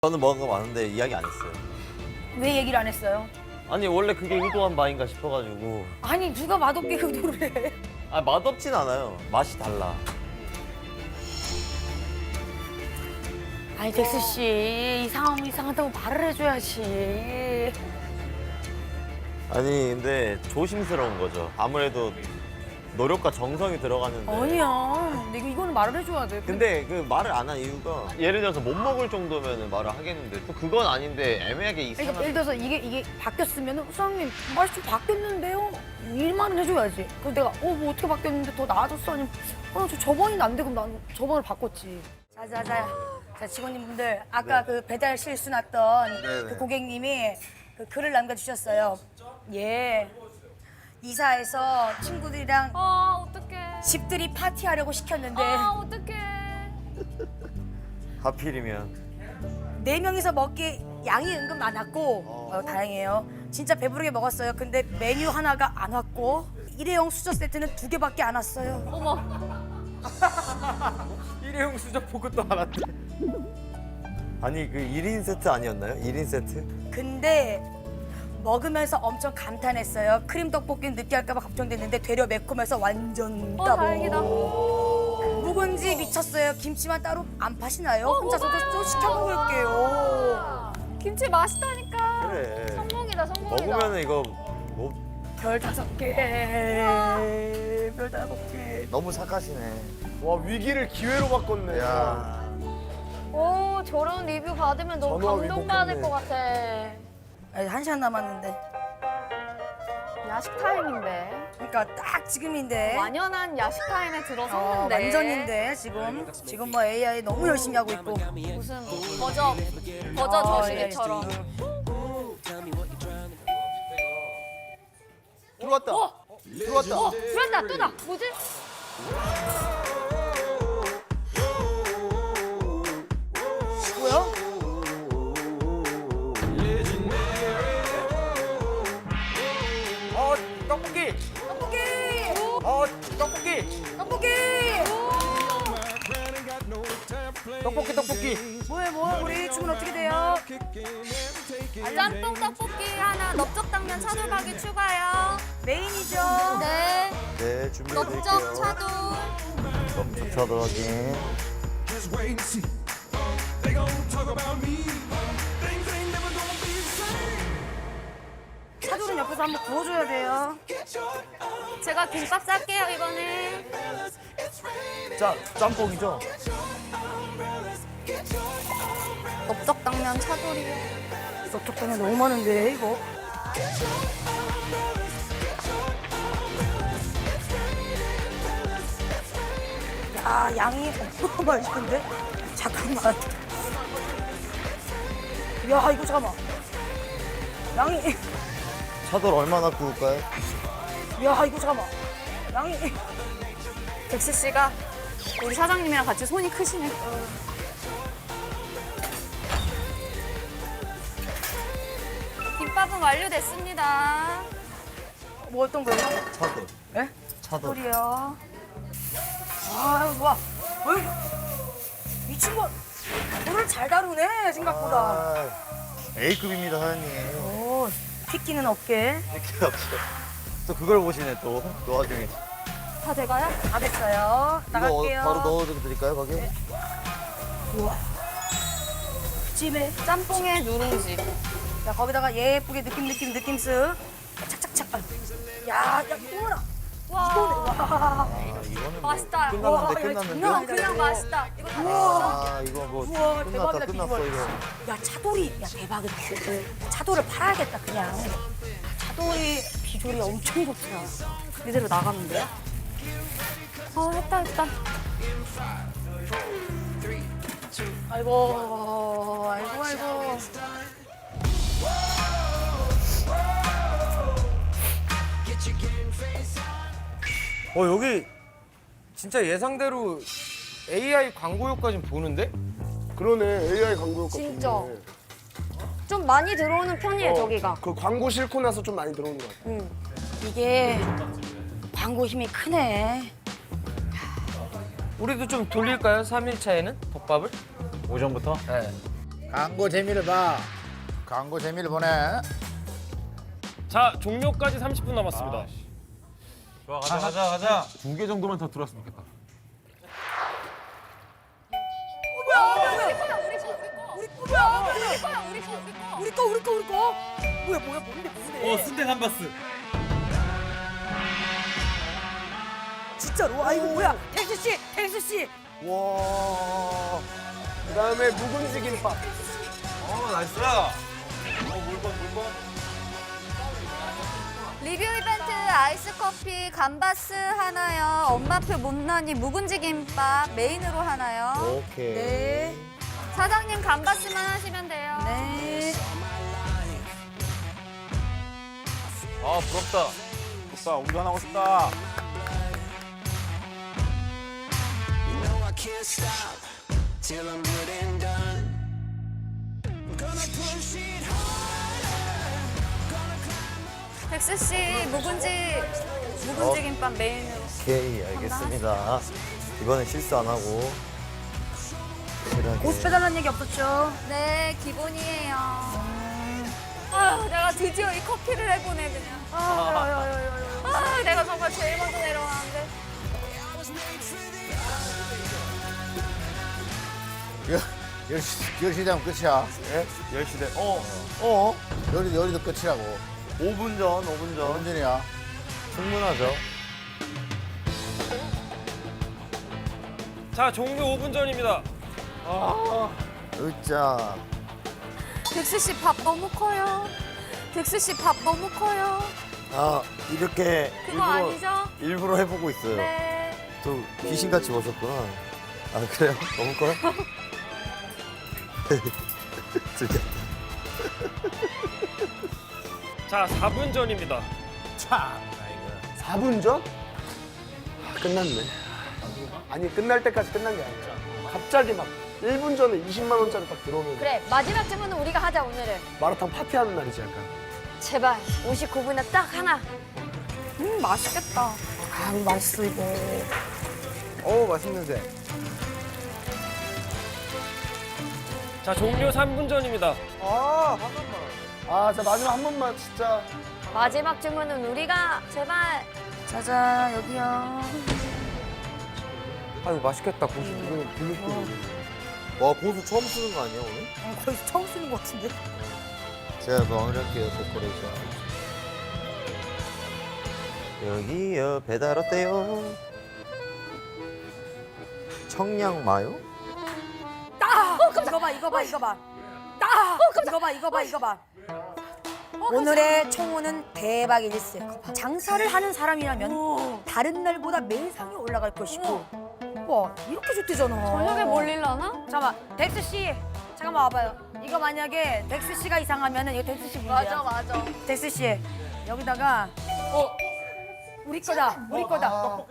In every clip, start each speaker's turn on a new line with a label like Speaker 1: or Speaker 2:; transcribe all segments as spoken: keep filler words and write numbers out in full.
Speaker 1: 저는 먹은 거 많은데 이야기 안 했어요.
Speaker 2: 왜 얘기를 안 했어요?
Speaker 1: 아니 원래 그게 의도한 바인가 싶어가지고.
Speaker 2: 아니 누가 맛없게 의도를 해?
Speaker 1: 아 맛없진 않아요. 맛이 달라.
Speaker 2: 아니 덱스 씨, 이 상황 이상하다고 말을 해줘야지.
Speaker 1: 아니 근데 조심스러운 거죠. 아무래도 노력과 정성이 들어가는데.
Speaker 2: 아니야. 근데 이거- 이거는 말을 해줘야 돼.
Speaker 1: 근데 그 말을 안 한 이유가 예를 들어서 못 먹을 정도면 말을 하겠는데 또 그건 아닌데 애매하게
Speaker 2: 그러니까
Speaker 1: 이상한.
Speaker 2: 예를 들어서 이게 이게 바뀌었으면 사장님 맛이 좀 바뀌었는데요? 이 말은 해줘야지. 그래서 내가 어 뭐 어떻게 바뀌었는데 더 나아졌어? 아니면 어저 저번이 안 되고 난 저번을 바꿨지. 자자자. 자 직원님분들 아까
Speaker 1: 네.
Speaker 2: 그 배달 실수 났던
Speaker 1: 네네.
Speaker 2: 그 고객님이 그 글을 남겨주셨어요. 예. 이사해서 친구들이랑
Speaker 3: 아 어떡해.
Speaker 2: 집들이 파티하려고 시켰는데
Speaker 3: 아 어떡해.
Speaker 1: 하필이면.
Speaker 2: 네 명이서 먹기 양이 은근 많았고 어, 다행이에요. 진짜 배부르게 먹었어요. 근데 메뉴 하나가 안 왔고 일회용 수저 세트는 두 개밖에 안 왔어요.
Speaker 3: 어머.
Speaker 1: 일회용 수저 포크도 안 왔대. 아니 그 일 인 세트 아니었나요? 일 인 세트?
Speaker 2: 근데 먹으면서 엄청 감탄했어요. 크림 떡볶이는 느끼할까 봐 걱정됐는데 되려 매콤해서 완전
Speaker 3: 어
Speaker 2: 따봉.
Speaker 3: 다행이다.
Speaker 2: 묵은지 미쳤어요. 김치만 따로 안 파시나요? 혼자서도 또 시켜 먹을게요.
Speaker 3: 김치 맛있다니까.
Speaker 1: 그래.
Speaker 3: 성공이다 성공이다.
Speaker 1: 먹으면 이거 뭐
Speaker 2: 별 다섯 개. 별 다섯 개.
Speaker 1: 너무 착하시네.
Speaker 4: 와 위기를 기회로 바꿨네.
Speaker 1: 야.
Speaker 3: 오 저런 리뷰 받으면 너무
Speaker 4: 전화
Speaker 3: 감동받을
Speaker 4: 위복했네.
Speaker 3: 것 같아.
Speaker 2: 아니, 한 시간 남았는데.
Speaker 3: 야식 타임인데.
Speaker 2: 그러니까 딱 지금인데.
Speaker 3: 완연한 야식 타임에
Speaker 2: 어,
Speaker 3: 들어섰는데.
Speaker 2: 완전인데 지금 지금 뭐 에이아이 너무 열심히 하고 있고.
Speaker 3: 무슨 버저 버저
Speaker 2: 어,
Speaker 3: 저시계처럼.
Speaker 4: 들어왔다. 들어왔다.
Speaker 3: 어 그랬다 또다. 뭐지?
Speaker 2: 뭐야?
Speaker 4: 어 떡볶이.
Speaker 2: 떡볶이!
Speaker 4: 어 떡볶이.
Speaker 2: 떡볶이!
Speaker 4: 떡볶이 떡볶이.
Speaker 2: 뭐해 뭐해 우리 주문 어떻게 돼요?
Speaker 3: 짬뽕 떡볶이 하나, 넓적당면 차돌박이 추가요.
Speaker 2: 메인이죠.
Speaker 3: 네.
Speaker 1: 네 준비해드릴게요.
Speaker 3: 넓적 차돌.
Speaker 1: 넓적 차돌 확인.
Speaker 5: Just wait and see. They gon' talk about me. Things ain't never gonna be the same.
Speaker 2: 차돌은 옆에서 한번 구워줘야 돼요.
Speaker 5: Get your arms,
Speaker 3: 제가 김밥 쌀게요 이번에.
Speaker 5: it's raining.
Speaker 1: 짜 짬뽕이죠?
Speaker 5: Get your umbrellas.
Speaker 3: 넓적당면 차돌이요.
Speaker 2: 넓적당면 너무 많은데 이거. 야 양이 어마어마하신데? 잠깐만. 야 이거 잠깐만. 양이.
Speaker 1: 차돌 얼마나 구울까요?
Speaker 2: 야 이거 잠깐만. 양이.
Speaker 3: 덱스 씨가 우리 사장님이랑 같이 손이 크시네. 김밥은 완료됐습니다.
Speaker 2: 뭐 어떤 거예요?
Speaker 1: 차돌.
Speaker 2: 예?
Speaker 1: 차돌.
Speaker 2: 소리요. 아 좋아. 어이 이 친구 물을 잘 다루네 생각보다.
Speaker 1: 아, A급입니다 사장님.
Speaker 2: 오 핏기는 없게.
Speaker 1: 이렇게 없어. 또 그걸 보시네 또. 그 와중에.
Speaker 3: 다 돼가요?
Speaker 2: 다 됐어요.
Speaker 1: 이거
Speaker 2: 나갈게요.
Speaker 1: 어, 바로 넣어드릴까요 거기?
Speaker 2: 우와. 찜에
Speaker 3: 짬뽕에 누룽지.
Speaker 2: 자 거기다가 예쁘게 느낌 느낌 느낌 쓱 착착착. 아유. 야, 야 이거라.
Speaker 3: 와
Speaker 2: 와.
Speaker 1: 아 이거는 뭐
Speaker 3: 맛있다.
Speaker 1: 끝났는데
Speaker 2: 와, 이거
Speaker 1: 끝났는데.
Speaker 2: 장난 아니다.
Speaker 3: 그냥 맛있다. 이거 다
Speaker 2: 우와.
Speaker 1: 아 이거 뭐
Speaker 2: 우와,
Speaker 1: 끝났다
Speaker 2: 대박이다,
Speaker 1: 끝났어
Speaker 2: 비주얼.
Speaker 1: 이거.
Speaker 2: 야 차돌이 야 대박이다. 차돌을 팔아야겠다 그냥. 차돌이 비주얼이 엄청 좋더라. 이대로 나가면 돼?
Speaker 3: 어 했다 했다.
Speaker 2: 아이고 아이고 아이고.
Speaker 4: 어 여기 진짜 예상대로 에이아이 광고 효과 좀 보는데?
Speaker 6: 그러네 에이아이 광고 효과
Speaker 3: 진짜.
Speaker 6: 좋네.
Speaker 3: 좀 많이 들어오는 편이에요
Speaker 6: 어,
Speaker 3: 저기가.
Speaker 6: 그 광고 싣고 나서 좀 많이 들어오는 것 같아.
Speaker 3: 응.
Speaker 2: 이게 광고 힘이 크네.
Speaker 4: 우리도 좀 돌릴까요? 삼 일 차에는 덮밥을?
Speaker 1: 오전부터?
Speaker 4: 네.
Speaker 7: 광고 재미를 봐. 광고 재미를 보네.
Speaker 8: 자, 종료까지 삼십 분 남았습니다.
Speaker 4: 좋아, 가자, 가자, 가자.
Speaker 9: 두 개 정도만 더 들어왔으면 좋겠다.
Speaker 2: 우리 거 우리 거 우리 거. 뭐야 뭐야 뭔데 뭔데?
Speaker 8: 어, 순대 감바스.
Speaker 2: 진짜로? 아 이거 뭐야? 텍스 씨, 텍스 씨.
Speaker 6: 와. 그다음에 묵은지 김밥.
Speaker 4: 어, 나이스. 어, 물건, 물건.
Speaker 3: 리뷰 이벤트 아이스 커피 감바스 하나요. 엄마표 못난이 묵은지 김밥 메인으로 하나요.
Speaker 1: 오케이.
Speaker 2: 네.
Speaker 3: 사장님 감바스만 하시면 돼요.
Speaker 2: 네.
Speaker 4: 아, 부럽다.
Speaker 9: 오빠 운전하고 싶다.
Speaker 3: 백스 씨 묵은지 묵은지 김밥 메인으로.
Speaker 1: 오케이, 알겠습니다. 이번엔 실수 안 하고. 확실하게.
Speaker 2: 고수 빼달라는 얘기 없었죠?
Speaker 3: 네, 기본이에요. 아유, 내가 드디어 이 커피를 해보네 그냥. 아, 아, 내가 정말 제일 먼저 내려왔는데.
Speaker 7: 열 시 되면 끝이야.
Speaker 1: 예? 열 시 대. 어,
Speaker 7: 어? 요리, 요리도 끝이라고.
Speaker 1: 오 분 전, 오 분 전.
Speaker 7: 언제냐?
Speaker 1: 충분하죠.
Speaker 8: 자, 종료 오 분 전입니다.
Speaker 1: 으짜.
Speaker 3: 백스 씨 밥 너무 커요. 백스 씨 밥 너무 커요.
Speaker 1: 아, 이렇게
Speaker 3: 그거
Speaker 1: 일부러,
Speaker 3: 아니죠?
Speaker 1: 일부러 해보고 있어요.
Speaker 3: 네.
Speaker 1: 또 귀신같이 보셨구나. 아, 그래요? 너무 커요? 즐겼다.
Speaker 8: 자, 사 분 전입니다.
Speaker 7: 참.
Speaker 6: 사 분 전? 아, 끝났네. 아니 끝날 때까지 끝난 게 아니라 갑자기 막 일 분 전에 이십만 원짜리 딱 들어오면
Speaker 2: 그래 마지막 주문은 우리가 하자 오늘은.
Speaker 6: 마라탕 파티하는 날이지 약간.
Speaker 2: 제발 오십구 분에 딱 하나. 음 맛있겠다. 아 이거 맛있어 이거.
Speaker 7: 오, 맛있는 새.
Speaker 8: 자, 종료 삼 분 전입니다.
Speaker 6: 아, 아, 자 마지막 한 번만 진짜.
Speaker 2: 마지막 주문은 우리가 제발. 자자 여기요.
Speaker 4: 아유, 맛있겠다, 고수.
Speaker 6: 이거 블루베리.
Speaker 1: 와, 고수 처음 쓰는 거 아니야, 오늘?
Speaker 2: 어, 거의 처음 쓰는 것 같은데.
Speaker 1: 제가 마무리할게요, 데코레이션. 여기요, 배달 어때요? 청량 마요?
Speaker 2: 아! 이거 봐 이거 봐 이거 봐. 아! 이거 봐 이거 봐 이거 봐. 오늘의 청혼은 대박 일세. 장사를 하는 사람이라면 다른 날보다 매상이 올라갈 것이고. 와 이렇게 좋대잖아.
Speaker 3: 저녁에 몰릴라나?
Speaker 2: 잠깐만 덱스 씨 잠깐만 와봐요. 이거 만약에 덱스 씨가 이상하면은 이거 덱스 씨 문제야.
Speaker 3: 맞아, 맞아.
Speaker 2: 덱스 씨 여기다가 어 우리 거다 우리 거다.
Speaker 8: 어,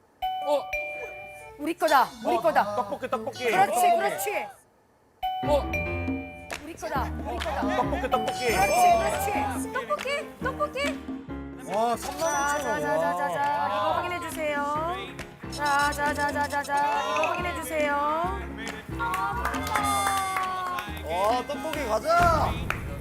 Speaker 2: 우리 거다 우리 거다.
Speaker 8: 떡볶이, 떡볶이.
Speaker 2: 그렇지 그렇지.
Speaker 8: 어,
Speaker 2: 우리 거다 우리 거다.
Speaker 8: 떡볶이, 떡볶이.
Speaker 2: 그렇지 그렇지. 떡볶이 떡볶이.
Speaker 7: 와, 삼만 오천 원.
Speaker 2: 자자자자자 이거 확인해 주세요. 자자자자자자 이거 확인해 주세요.
Speaker 1: 와, 떡볶이 가자!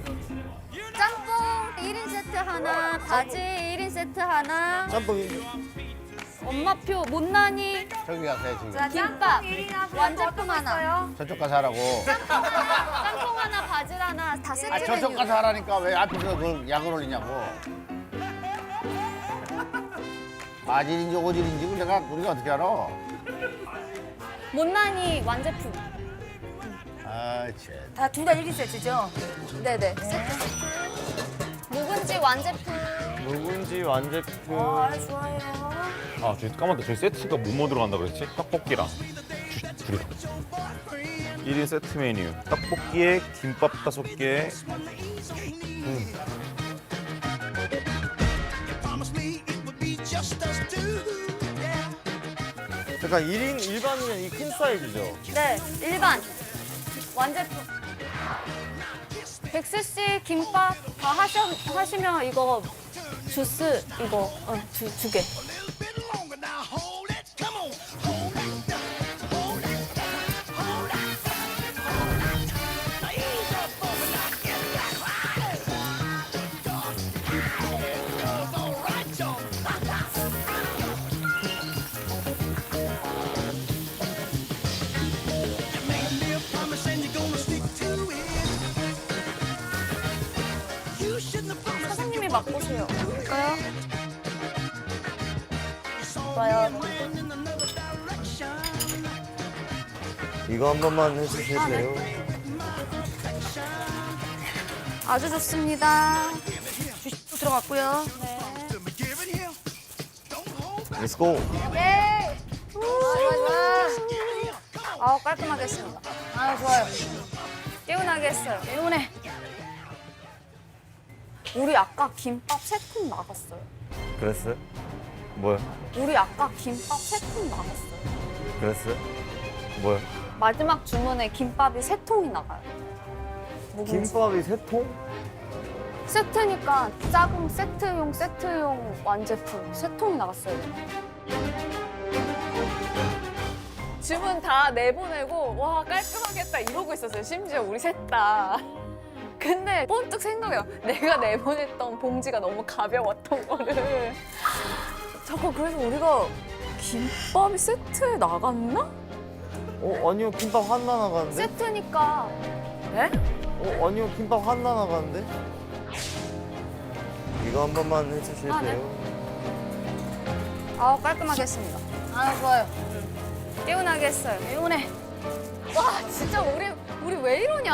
Speaker 3: 짬뽕 일 인 세트 하나, 바지 일 인 세트 하나,
Speaker 1: 짬뽕.
Speaker 3: 엄마표 못난이
Speaker 7: 저기 가서 해, 지금.
Speaker 2: 자,
Speaker 3: 김밥,
Speaker 2: 완제품
Speaker 3: 완제품 하나.
Speaker 7: 저쪽 가서 하라고.
Speaker 3: 짬뽕 하나, 바질 하나 다 세트
Speaker 7: 아, 저쪽
Speaker 3: 메뉴.
Speaker 7: 가서 하라니까 왜 앞에서 그걸 약을 올리냐고. 바질인지 오질인지 그걸 내가 우리가 어떻게 알아?
Speaker 3: 못난이 완제품.
Speaker 7: 아, 참.
Speaker 2: 다 둘 다 일 인 세트죠?
Speaker 3: 네네. 세트. 묵은지 완제품.
Speaker 9: 묵은지 완제품.
Speaker 2: 아 좋아요.
Speaker 9: 아, 저기 까먹었다. 저기 세트가 뭐뭐 들어간다 그랬지? 떡볶이랑 주- 둘이. 일 인 세트 메뉴. 떡볶이에 김밥 다섯 개.
Speaker 1: 잠깐, 일 인 일반이면 이 큰 사이즈죠?
Speaker 3: 네, 일반. 완제품. 백스 씨 김밥 다 하셔, 하시면 이거 주스 이거 어, 두, 두 개. 맛보세요.
Speaker 2: 볼까요? 좋아요.
Speaker 1: 이거 한 번만 해주실래요?
Speaker 3: 아주 좋습니다.
Speaker 2: 주식도 들어갔고요.
Speaker 1: Let's go.
Speaker 3: 예. 좋아, 좋아, 좋아. 아우, 깔끔하게 했습니다.
Speaker 2: 아, 좋아요.
Speaker 3: 개운하게 했어요.
Speaker 2: 개운해.
Speaker 3: 우리 아까 김밥 세 통 나갔어요.
Speaker 1: 그랬어요? 뭐야?
Speaker 3: 우리 아까 김밥 세 통 나갔어요.
Speaker 1: 그랬어요? 뭐야?
Speaker 3: 마지막 주문에 김밥이 세 통이 나가요. 묵은지.
Speaker 1: 김밥이 세 통?
Speaker 3: 세트니까 작은 세트용, 세트용 완제품 세 통이 나갔어요. 주문 다 내보내고 와 깔끔하겠다 이러고 있었어요. 심지어 우리 셋 다. 근데 번뜩 생각해요. 내가 내보냈던 봉지가 너무 가벼웠던 거를. 잠깐 그래서 우리가 김밥이 세트에 나갔나?
Speaker 1: 어 아니요 김밥 하나 나가는데?
Speaker 3: 세트니까
Speaker 2: 네?
Speaker 1: 어 아니요 김밥 하나 나가는데? 이거 한 번만
Speaker 3: 아,
Speaker 1: 해주실래요?
Speaker 3: 네. 아우 깔끔하게 했습니다.
Speaker 2: 아, 좋아요.
Speaker 3: 개운하게 했어요.
Speaker 2: 개운해.
Speaker 3: 와 진짜 우리 우리 왜 이러냐?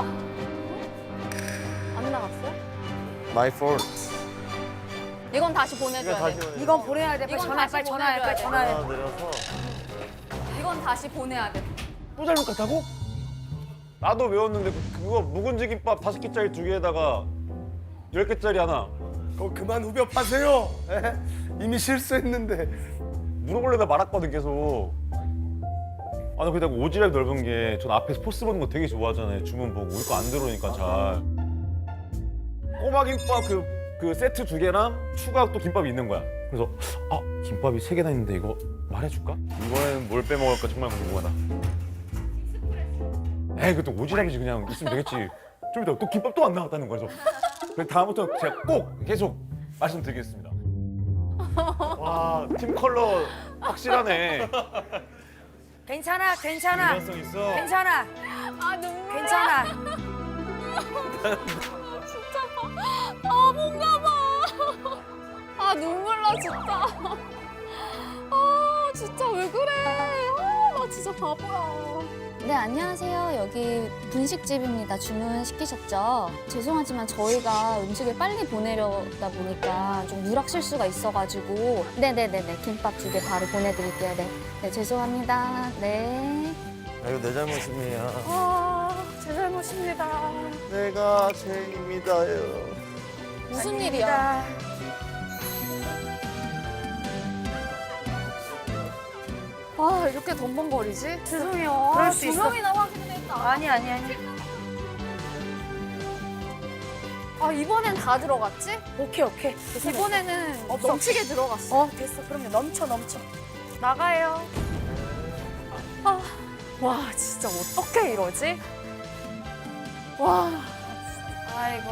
Speaker 3: 안 나갔어요?
Speaker 1: My fault.
Speaker 3: 이건 다시 보내줘야
Speaker 1: 이거 다시
Speaker 3: 돼.
Speaker 1: 보내.
Speaker 2: 이건 보내야 돼. 빨리
Speaker 3: 이건
Speaker 2: 전화해,
Speaker 3: 다시
Speaker 2: 빨리 전화해, 빨리
Speaker 3: 보내줘야
Speaker 2: 전화해.
Speaker 1: 하나 내려서
Speaker 3: 이건 다시 보내야 돼.
Speaker 4: 또 잘못 갔다고? 나도 외웠는데 그- 그거 묵은지 김밥 다섯 개짜리 두 개에다가 열 개짜리 하나.
Speaker 6: 그거 그만 후벼 파세요. 에? 이미 실수했는데.
Speaker 4: 물어보려다 말았거든 계속. 아 나 그냥 오지랖 넓은 게 전 앞에서 포스 보는 거 되게 좋아하잖아요. 주문 보고 우리 거 안 들어오니까 잘. 꼬마 김밥 그, 그 세트 두 개랑 추가 또 김밥이 있는 거야. 그래서 아 김밥이 세 개나 있는데 이거 말해줄까? 이번에는 뭘 빼먹을까 정말 궁금하다. 에이 그것도 오지랖이지 그냥 있으면 되겠지. 좀 이따 또 김밥 또 안 나왔다는 거죠. 그래서 다음부터 제가 꼭 계속 말씀드리겠습니다. 와 팀 컬러 확실하네.
Speaker 2: 괜찮아, 괜찮아.
Speaker 4: 일관성 있어.
Speaker 2: 괜찮아,
Speaker 3: 아 눈물.
Speaker 2: 괜찮아.
Speaker 3: 진짜. 아 뭔가 봐. 아 눈물 나 진짜. 아 진짜 왜 그래? 아, 나 진짜 바보야.
Speaker 10: 네, 안녕하세요. 여기 분식집입니다. 주문 시키셨죠? 죄송하지만 저희가 음식을 빨리 보내려다 보니까 좀 누락 실수가 있어가지고 네네네네 김밥 두 개 바로 보내드릴게요. 네, 네 죄송합니다. 네.
Speaker 1: 아, 이거 내 잘못입니다.
Speaker 3: 아, 제 잘못입니다.
Speaker 1: 내가 죄입니다요.
Speaker 3: 무슨 일이야? 아, 이렇게 덤벙거리지?
Speaker 2: 죄송해요.
Speaker 3: 아,
Speaker 2: 그럴 수
Speaker 3: 두
Speaker 2: 있어.
Speaker 3: 명이나 확인을 했다.
Speaker 2: 아니, 아니, 아니.
Speaker 3: 아, 이번엔 다 들어갔지?
Speaker 2: 오케이, 오케이. 됐어,
Speaker 3: 이번에는
Speaker 2: 없어.
Speaker 3: 넘치게 들어갔어.
Speaker 2: 어, 됐어. 그럼요. 넘쳐, 넘쳐.
Speaker 3: 나가요. 아, 와, 진짜 어떻게 이러지? 와,
Speaker 2: 아이고.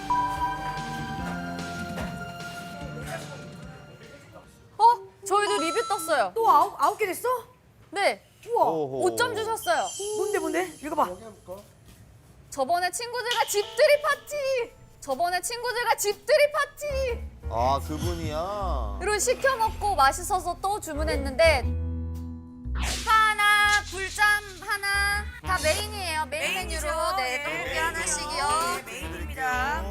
Speaker 3: 어? 저희도 리뷰 떴어요.
Speaker 2: 또 아홉, 아홉 개 됐어?
Speaker 3: 네,
Speaker 2: 우와.
Speaker 1: 오호.
Speaker 3: 오 점 주셨어요.
Speaker 2: 뭔데, 뭔데? 읽어봐.
Speaker 3: 저번에 친구들과 집들이 파티! 저번에 친구들과 집들이 파티!
Speaker 1: 아 그분이야.
Speaker 3: 이런 시켜 먹고 맛있어서 또 주문했는데 하나, 불짬 하나 다 메인이에요. 메인 메뉴로 네, 떡볶이 하나씩이요.
Speaker 2: 메인입니다.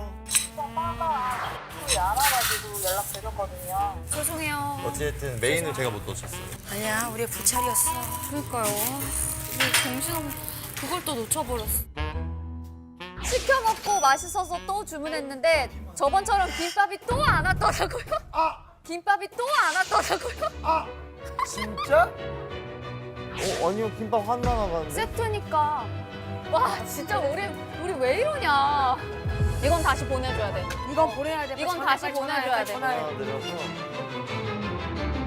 Speaker 3: 죄송해요.
Speaker 1: 어쨌든 메인을 제가 못 놓쳤어요.
Speaker 2: 아니야, 우리의 부찰이었어.
Speaker 3: 그러니까요. 정신없 그걸 또 놓쳐버렸어. 시켜 먹고 맛있어서 또 주문했는데 저번처럼 김밥이 또 안 왔더라고요.
Speaker 6: 아,
Speaker 3: 김밥이 또 안 왔더라고요.
Speaker 6: 아, 진짜?
Speaker 1: 어 아니요 김밥 하나 나가는데?
Speaker 3: 세트니까 와 진짜 우리 우리 왜 이러냐. 이건 다시 보내줘야 돼.
Speaker 2: 이건 보내야 돼. 빨리
Speaker 3: 이건
Speaker 2: 전화해,
Speaker 3: 다시
Speaker 2: 빨리 전화해,
Speaker 3: 보내줘야
Speaker 2: 빨리
Speaker 3: 돼.
Speaker 2: 전화해.
Speaker 1: 하나 내려서.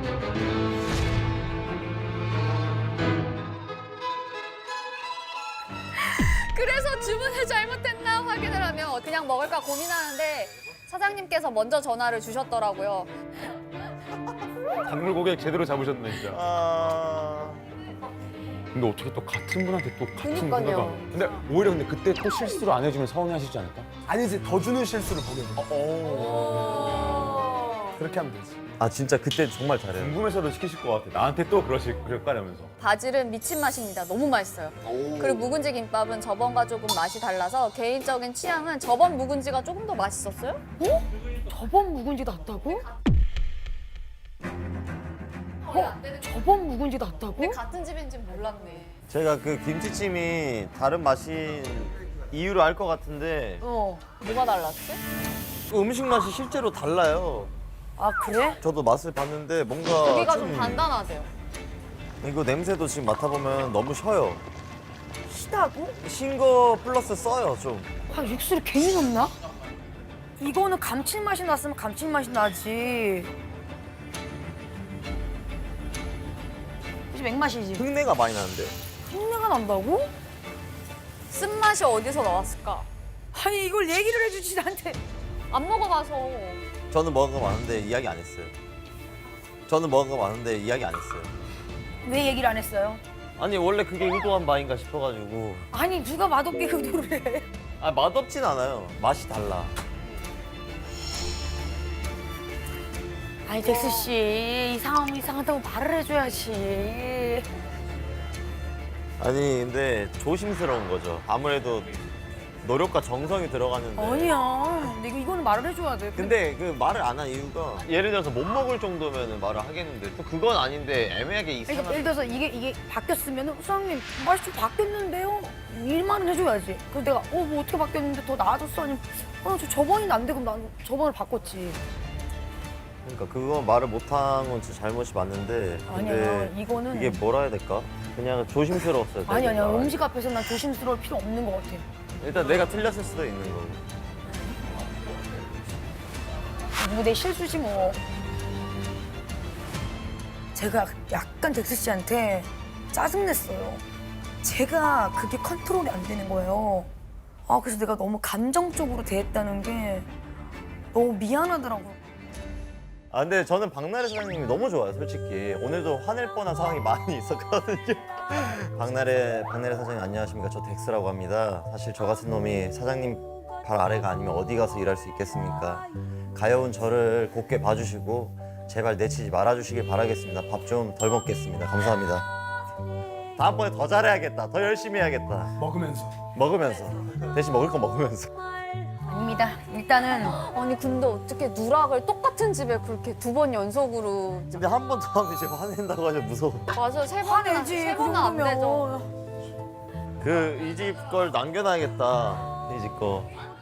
Speaker 3: 그래서 주문을 잘못했나 확인을 하면 그냥 먹을까 고민하는데 사장님께서 먼저 전화를 주셨더라고요.
Speaker 4: 단물 고객 제대로 잡으셨네 진짜.
Speaker 1: 아
Speaker 4: 근데 어떻게 또 같은 분한테 또 같은
Speaker 3: 그니까요.
Speaker 4: 생각을 근데 오히려 근데 그때 또 실수를 안 해주면 서운해하시지 않을까?
Speaker 6: 아니지, 더 주는 실수를 보게 돼. 그렇게 하면 되지.
Speaker 1: 아 진짜 그때 정말 잘해요.
Speaker 4: 궁금해서도 시키실 것 같아. 나한테 또 그러실 그럴까라면서.
Speaker 10: 바질은 미친 맛입니다. 너무 맛있어요. 그리고 묵은지 김밥은 저번과 조금 맛이 달라서 개인적인 취향은 저번 묵은지가 조금 더 맛있었어요.
Speaker 2: 저번 묵은지 낫다고? 어? 저번 묵은지 낫다고?
Speaker 3: 같은 집인지 몰랐네.
Speaker 1: 제가 그 김치찜이 다른 맛인 이유를 알 것 같은데
Speaker 2: 어.
Speaker 3: 뭐가 달랐지?
Speaker 1: 그 음식 맛이 실제로 달라요.
Speaker 2: 아 그래?
Speaker 1: 저도 맛을 봤는데 뭔가
Speaker 3: 고기가 좀 단단하세요.
Speaker 1: 이거 냄새도 지금 맡아보면 너무 셔요.
Speaker 2: 시다고?
Speaker 1: 신 거 플러스 써요 좀.
Speaker 2: 아 육수를 괜히 넣나? 이거는 감칠맛이 났으면 감칠맛이 나지. 이제 맥맛이지.
Speaker 1: 흙내가 많이 나는데.
Speaker 2: 흉내가 난다고?
Speaker 3: 쓴맛이 어디서 나왔을까?
Speaker 2: 아니 이걸 얘기를 해주지 나한테.
Speaker 3: 안 먹어봐서.
Speaker 1: 저는 먹은 거 많은데 이야기 안 했어요. 저는 먹은 거 많은데 이야기 안 했어요.
Speaker 2: 왜 얘기를 안 했어요?
Speaker 1: 아니 원래 그게 의도한 바인가 싶어가지고.
Speaker 2: 아니 누가 맛없게 의도를 해.
Speaker 1: 아 맛없진 않아요. 맛이 달라.
Speaker 2: 아니 덱스 씨, 이 상황이 이상하다고 말을 해줘야지.
Speaker 1: 아니 근데 조심스러운 거죠. 아무래도 노력과 정성이 들어가는데.
Speaker 2: 아니야. 근데 이거, 이거는 말을 해줘야 돼.
Speaker 1: 근데 그 말을 안 한 이유가 예를 들어서 못 먹을 정도면 말을 하겠는데 또 그건 아닌데 애매하게
Speaker 2: 그러니까
Speaker 1: 이상한.
Speaker 2: 예를 들어서 이게 이게 바뀌었으면 수장님 맛이 좀 바뀌었는데요. 일말은 해줘야지. 그래서 내가 어 뭐 어떻게 바뀌었는데 더 나아졌어? 아니면 어저 저번이 안 돼. 그럼 난 저번을 바꿨지.
Speaker 1: 그러니까 그거 말을 못한 건 진짜 잘못이 맞는데.
Speaker 2: 아니야.
Speaker 1: 근데
Speaker 2: 이거는
Speaker 1: 이게 뭐라 해야 될까? 그냥 조심스러웠어요.
Speaker 2: 아니 아니야.
Speaker 1: 내가.
Speaker 2: 음식 앞에서 난 조심스러울 필요 없는 것 같아.
Speaker 1: 일단 내가 틀렸을 수도 있는 거고.
Speaker 2: 뭐 내 실수지 뭐. 제가 약간 덱스 씨한테 짜증냈어요. 제가 그게 컨트롤이 안 되는 거예요. 아 그래서 내가 너무 감정적으로 대했다는 게 너무 미안하더라고요.
Speaker 1: 아 근데 저는 박나래 사장님이 너무 좋아요 솔직히. 오늘도 화낼 뻔한 상황이 많이 있었거든요. 박나래 박나래 사장님 안녕하십니까. 저 덱스라고 합니다. 사실 저 같은 놈이 사장님 발 아래가 아니면 어디 가서 일할 수 있겠습니까. 가여운 저를 곱게 봐주시고 제발 내치지 말아주시길 바라겠습니다. 밥 좀 덜 먹겠습니다. 감사합니다. 다음번에 더 잘해야겠다. 더 열심히 해야겠다.
Speaker 6: 먹으면서.
Speaker 1: 먹으면서. 대신 먹을 거 먹으면서.
Speaker 2: 아닙니다. 일단은
Speaker 3: 아니 근데 어떻게 누락을 똑같은 집에 그렇게 두 번 연속으로.
Speaker 1: 근데 한 번 더 하면 이제 화낸다고 하죠. 무서워.
Speaker 3: 맞아 세 번은
Speaker 2: 화내지.
Speaker 3: 세
Speaker 2: 그
Speaker 3: 번은 안 되죠.
Speaker 2: 정도면.
Speaker 1: 그 이 집 걸 남겨놔야겠다. 이 집 거.